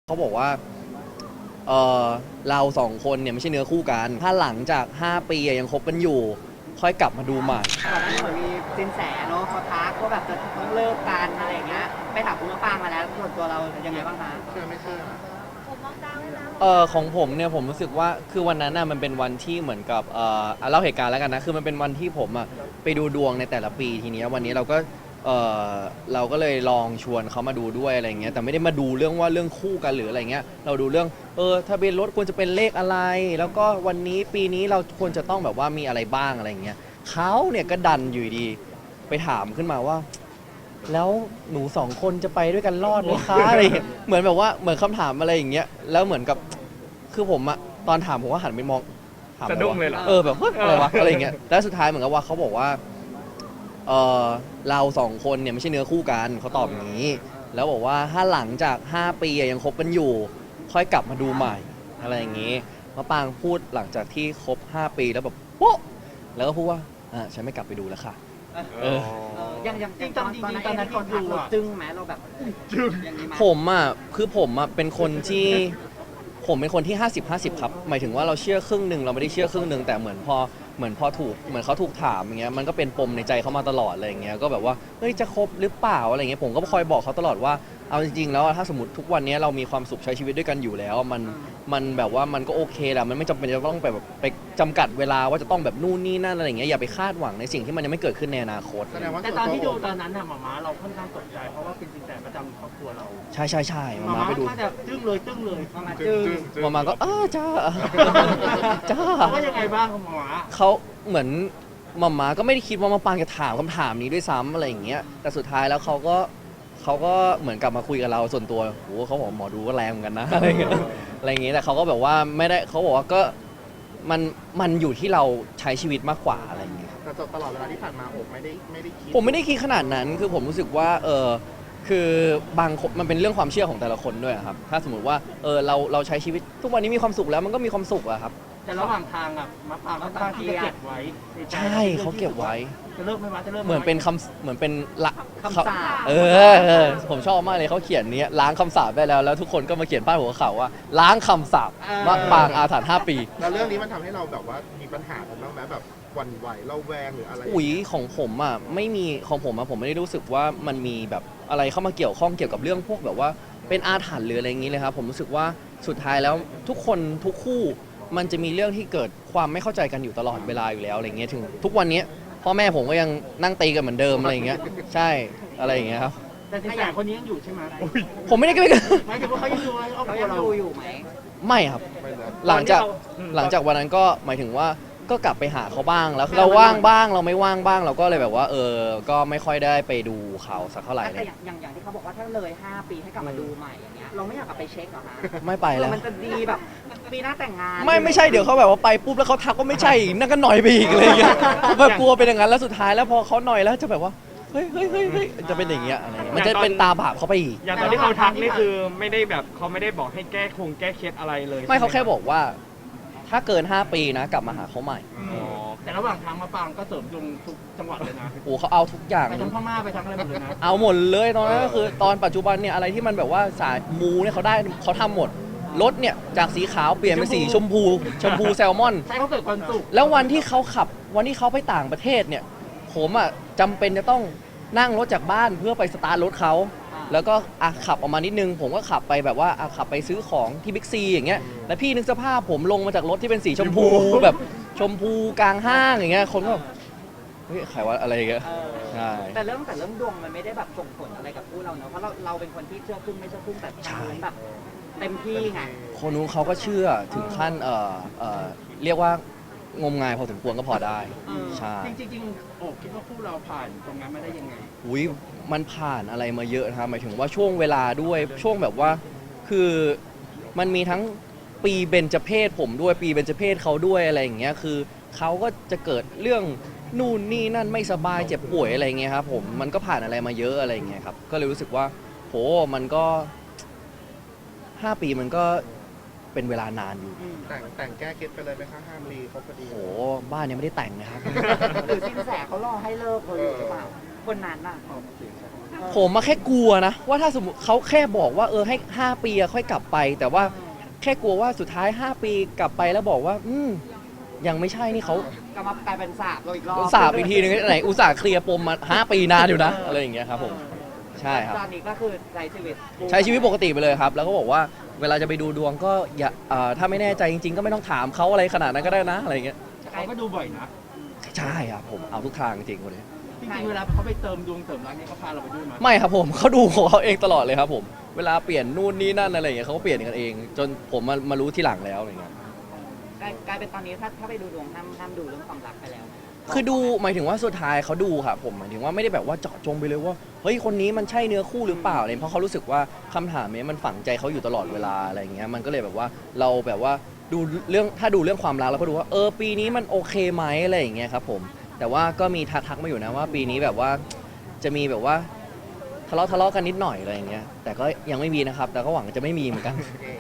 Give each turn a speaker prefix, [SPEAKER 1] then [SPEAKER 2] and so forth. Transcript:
[SPEAKER 1] เขาบอกว่าเออเราสองคนเนี่ยไม่ใช่เนื้อคู่กันถ้าหลังจาก5 ปียังคบกันอยู่ค่อยกลับมาดูใหม่
[SPEAKER 2] ก่อนหน้านี้เหมือนมีสินแสเนาะเขาทักว่าแบบจะต้องเลิกกันอะไรอย่างเงี้ยไปถามคุณมะปรางมาแล้วส่วนตัวเรายังไงบ้างคะ
[SPEAKER 3] เชื่อไม่เชื่อ
[SPEAKER 1] ของผมเนี่ยผมรู้สึกว่าคือวันนั้นน่ะมันเป็นวันที่เหมือนกับเล่าเหตุการณ์แล้วกันนะคือมันเป็นวันที่ผมอ่ะไปดูดวงในแต่ละปีทีนี้วันนี้เราก็เลยลองชวนเขามาดูด้วยอะไรเงี้ยแต่ไม่ได้มาดูเรื่องว่าเรื่องคู่กันหรืออะไรเงี้ยเราดูเรื่องทะเบียนรถควรจะเป็นเลขอะไร แล้วก็วันนี้ปีนี้เราควรจะต้องแบบว่ามีอะไรบ้างอะไรเงี้ยเขาเนี่ยก็ดันอยู่ดีไปถามขึ้นมาว่า แล้วหนู2 คนจะไปด้วยกันรอดไหมคะอะไรเงี้ยเหมือนแบบว่าเหมือนคำถามอะไรอย่างเงี้ยแล้วเหมือนกับคือผมอะตอนถามผมก็หันไปมองถาม
[SPEAKER 3] สะดุ้งเลยเหรอ
[SPEAKER 1] แบบเฮ้ยอะไรวะอะไรเงี้ยแล้วสุดท้ายเหมือนกับว่าเขาบอกว่าเรา2 คนเนี่ยไม่ใช่เนื้อคู่กันเขาตอบอย่างนี้แล้วบอกว่าถ้าหลังจาก5 ปียังคบกันอยู่ค่อยกลับมาดูใหม่อะไรอย่างงี้มะปรางพูดหลังจากที่คบ5 ปีแล้วแบบโป๊ะแล้วก็พูดว่าฉันไม่กลับไปดูแล้วค่ะ
[SPEAKER 2] ยังจริงตอนนั้นเขาทักเราจึ้งไหมเราแบบจึ้งอย่างนี้ไหม
[SPEAKER 1] ผมเป็นคนที่ผมเป็นคนที่50-50ครับหมายถึงว่าเราเชื่อครึ่งหนึ่งเราไม่ได้เชื่อครึ่งหนึ่งแต่เหมือนพอเขาถูกถามอย่างเงี้ยมันก็เป็นปมในใจเขามาตลอดอะไรอย่างเงี้ยก็แบบว่าเฮ้ยจะคบหรือเปล่าอะไรเงี้ยผมก็คอยบอกเขาตลอดว่าเอาจริงๆแล้วถ้าสมมติทุกวันนี้เรามีความสุขใช้ชีวิตด้วยกันอยู่แล้วมันแบบว่ามันก็โอเคแหละมันไม่จำเป็นจะต้องแบบไปจำกัดเวลาว่าจะต้องแบบนู่นนี่นั่นอะไรอย่างเงี้ยอย่าไปคาดหวังในสิ่งที่มันยังไม่เกิดขึ้นในอนาคต
[SPEAKER 3] แสดงว่า
[SPEAKER 4] แต่ตอนที่ดูตอนนั้นน่ะหม่าม้าเราค่อนข้างตกใจเพราะว่าเป็นสินแสประจำครอบครัวเรา
[SPEAKER 1] ใช่
[SPEAKER 4] หม่า
[SPEAKER 1] มา
[SPEAKER 4] ม้า
[SPEAKER 1] ไปดู
[SPEAKER 4] ถ้าจะจึ้งเลย
[SPEAKER 2] ประมาณจึ้ง
[SPEAKER 1] มาก็จ้า จ้า
[SPEAKER 4] เขาว่ายังไงบ้างหม่าม้า
[SPEAKER 1] เขาเหมือนมาก็ไม่ได้คิดว่ามาปางจะถามคำถามนี้ด้วยซ้ำอะไรอย่างเงี้ยแต่สุดท้ายแล้วเขาก็เหมือนกลับมาคุยกับเราส่วนตัวโอ้เขาบอกหมอดูก็แรงเหมือนกันนะอะไรเงี้ยแต่เขาก็แบบว่าไม่ได้เขาบอกว่าก็มันอยู่ที่เราใช้ชีวิตมากกว่าอะไรอย่างเงี้ย
[SPEAKER 3] แต่ตลอดเวลาที่ผ่านมาโอบไม่ได้คิด
[SPEAKER 1] ผมไม่ได้คิดขนาดนั้นคือผมรู้สึกว่าคือบางคนมันเป็นเรื่องความเชื่อของแต่ละคนด้วยครับถ้าสมมติว่าเราใช้ชีวิตทุกวันนี้มีความสุขแล้วมันก็มีความสุขอะครับ
[SPEAKER 4] แต่ระหว่างทางอ่ะมะปรางก็ตั้งที่จะเก็บไว้ในใจ
[SPEAKER 1] ใช่เขาเก็บไว้
[SPEAKER 4] จะเลิกไหมวะจะเลิกไ
[SPEAKER 1] เหมือนเป็นเหมือนเป็นละ
[SPEAKER 2] คำสาป
[SPEAKER 1] ผมชอบมากเลยเขาเขียนนี้ล้างคำสาปได้แล้วทุกคนก็มาเขียนป้ายหัวข่าวว่าล้างคำสาปมะปรางอาถรรพ์5 ปี
[SPEAKER 3] แล้วเรื่องนี้มันทำให้เราแบบว่ามีปัญหากันบ้างไหมแบบหวั่นไหวเราแวงหรืออะไร
[SPEAKER 1] ของผมอ่ะไม่มีของผมอ่ะผมไม่ได้รู้สึกว่ามันมีแบบอะไรเข้ามาเกี่ยวข้องเกี่ยวกับเรื่องพวกแบบว่าเป็นอาถรรพ์หรืออะไรอย่างนี้เลยครับผมรู้สึกว่าสุดท้ายแล้วทุกคนทุกคู่มันจะมีเรื่องที่เกิดความไม่เข้าใจกันอยู่ตลอดเวลาอยู่แล้วอะไรเงี้ยถึงทุกวันนี้พ่อแม่ผมก็ยังนั่งตีกันเหมือนเดิมอะไรอย่างเงี้ยใช่อะไรอย่างเงี้ยครับ
[SPEAKER 4] แต่สินแสคนนี้ยังอยู่ใช่ไหม
[SPEAKER 1] ผมไม่ได้กัน
[SPEAKER 4] หมายถึงว่าเขายังอยู่ในครอบ
[SPEAKER 2] เขา
[SPEAKER 4] ครัว
[SPEAKER 2] ยัง
[SPEAKER 4] เรา
[SPEAKER 2] ดูอยู่ไหม
[SPEAKER 1] ไม่ครับ
[SPEAKER 3] ไม่นะ
[SPEAKER 1] หลังจากวันนั้นก็หมายถึงว่าก็กลับไปหาเขาบ้างแล้วเราว่างบ้างเราไม่ว่างบ้างเราก็เลยแบบว่าก็ไม่ค่อยได้ไปดูเขาสักเท่าไหร่เล
[SPEAKER 2] แต่
[SPEAKER 1] ย
[SPEAKER 2] อย่างที่เขาบอกว่าถ้าเลย5 ปีให้กลับมาดูใหม่อย่างเงี้ยเราไม่อยากกลับไปเช็คเหรอคะ
[SPEAKER 1] ไม่ไปแล้ว
[SPEAKER 2] มันจะดีแบบปีหน้าแต่งงาน
[SPEAKER 1] ไม่ใช่เดี๋ยวเขาแบบว่าไปปุ๊บแล้วเขาทักว่าไม่ใช่อีกนั่นก็หน่อยไปอีกอะไรอย่างเงี้ยแบบกลัวเป็นอย่างนั้นแล้วสุดท้ายแล้วพอเขาหน่อยแล้วจะแบบว่าเฮ้ยจะเป็นอย่างเงี้ยอะไรเงี้ยมันจะเป็นตาบาปเขาไปอีก
[SPEAKER 5] อย่างตอนที่เขาทักนี่คือไม่ได้แบบเขาไม่ได้บอกให้แก้เคล็ดอะไรเลย
[SPEAKER 1] ไม่เขาแค่
[SPEAKER 5] ใช่ห
[SPEAKER 1] บอกว่า ถ้าเกิน5 ปีนะกลับมาหาเขาใหม่
[SPEAKER 5] อ๋อ
[SPEAKER 4] แต่ระหว่างทางมะปรางก็เสริมดวงทุกจังหวัดเลยนะ
[SPEAKER 1] โอ้เขาเอาทุกอย่าง
[SPEAKER 4] ไปทั้งพม่าไปทั้งอะไรหมดเลยนะ
[SPEAKER 1] เอาหมดเลยตอนนั้นก็คือตอนปัจจุบันเนี่ยอะไรที่มันแบบว่าสายมูเนี่ยเขาทำหมดรถเนี่ยจากสีขาวเปลี่ยนเป็นสีชมพูแซลมอน
[SPEAKER 4] ใช่เขาเกิดความสุข
[SPEAKER 1] แล้ววันที่เขาไปต่างประเทศเนี่ยผมอ่ะจำเป็นจะต้องนั่งรถจากบ้านเพื่อไปสตาร์ทรถเขาแล้วก็ขับออกมานิดนึงผมก็ขับไปแบบว่าขับไปซื้อของที่บิ๊กซีอย่างเงี้ยแล้วพี่นึกสภาพผมลงมาจากรถที่เป็นสีชมพูแบบชมพูกลางห้างอย่างเงี้ยคนก็แบบเฮ้ยใครวะอะไรอย่างเงี้ยใช่
[SPEAKER 2] แต่เรื่องดวงมันไม่ได้แบบส่งผลอะไรกับคู่เราเนอะเพราะเราเป็นคนที่เชื่อครึ่งไม่เชื่อครึ่งแต่ทางนู้นแบบเต็มที่ไง
[SPEAKER 1] คนนู้นเขาก็เชื่อถึงขั้นเรียกว่างมงายพอสมควรก็พอได้ใช่
[SPEAKER 4] จริงๆโอ้คิดว่าคู่เราผ่านตรงนั้นมาได้ยังไง
[SPEAKER 1] อุ้ยมันผ่านอะไรมาเยอะนะครับหมายถึงว่าช่วงเวลาด้วยช่วงแบบว่าคือมันมีทั้งปีเบญจเพศผมด้วยปีเบญจเพศเขาด้วยอะไรอย่างเงี้ยคือเขาก็จะเกิดเรื่องนู่นนี่นั่นไม่สบายเจ็บป่วยอะไรเงี้ยครับผมมันก็ผ่านอะไรมาเยอะอะไรเงี้ยครับก็เลยรู้สึกว่าโหมันก็5 ปีมันก็เป็นเวลานานอยู่
[SPEAKER 3] แต่งแก้เคล็ดไปเลยไหมคะห้ามรีเขาพอดี
[SPEAKER 1] โหบ้านยังไม่ได้แต่งนะครับ
[SPEAKER 2] หรือสินแสเขารอให้เลิกเลยหรือเปล่าคนนั้นน่ะ
[SPEAKER 1] ผมมาแค่กลัวนะว่าถ้าสมมติเขาแค่บอกว่าให้5 ปีอะค่อยกลับไป แต่ว่าแค่กลัวว่าสุดท้าย5 ปีกลับไปแล้วบอกว่ายังไม่ใช่นี่เขา
[SPEAKER 2] ก็มากลายเป็นสาบเราอีกรอบ
[SPEAKER 1] สาบอีกทีนึงไหนอุตส่าห์เคลียร์ปมมา5 ปีนานอยู่นะอะไรอย่างเงี้ยครับผมใช่ครับ
[SPEAKER 2] ตอนนี้ก็คือใช้ชีวิต
[SPEAKER 1] ปกติไปเลยครับ แล้วก็บอกว่าเวลาจะไปดูดวงก็อย่าถ้าไม่แน่ใจจริงๆ ก็ไม่ต้องถามเขาอะไรขนาดนั้นก็ได้นะอะไรอย่างเงี้ย
[SPEAKER 4] เขาก็ดูบ่อยนะ
[SPEAKER 1] ใช่ครับผมเอาทุกทางจริงๆคนนี้
[SPEAKER 4] จริงๆเวลาเขาไปเติมดวงเติมรักเนี่ยเขาพาเราไปด้วยมั้ย
[SPEAKER 1] ไม่ครับผมเขาดูของเขาเองตลอดเลยครับผมเวลาเปลี่ยนนู่นนี่นั่นอะไรอย่างเงี้ยเขาก็เปลี่ยนกันเอง จนผมมารู้ทีหลังแล้วอะไรเงี้ย
[SPEAKER 2] กลายเป็นตอนนี้ถ้าไปดูดวงห้ามดูเรื่องความรักไปแล้ว
[SPEAKER 1] คือดูหมายถึงว่าสุดท้ายเขาดูครับผมหมายถึงว่าไม่ได้แบบว่าเจาะจงไปเลยว่าเฮ้ยคนนี้มันใช่เนื้อคู่หรือเปล่าเนี่ยเพราะเขารู้สึกว่าคำถามนี้มันฝังใจเขาอยู่ตลอดเวลาอะไรอย่างเงี้ยมันก็เลยแบบว่าเราแบบว่าดูเรื่องถ้าดูเรื่องความรักเราก็ดูว่าปีนี้มันโอเคไหมอะไรอย่างเงี้ยครับผมแต่ว่าก็มีทักมาอยู่นะว่าปีนี้แบบว่าจะมีแบบว่าทะเลาะกันนิดหน่อยอะไรอย่างเงี้ยแต่ก็ยังไม่มีนะครับแต่ก็หวังจะไม่มีเหมือนกัน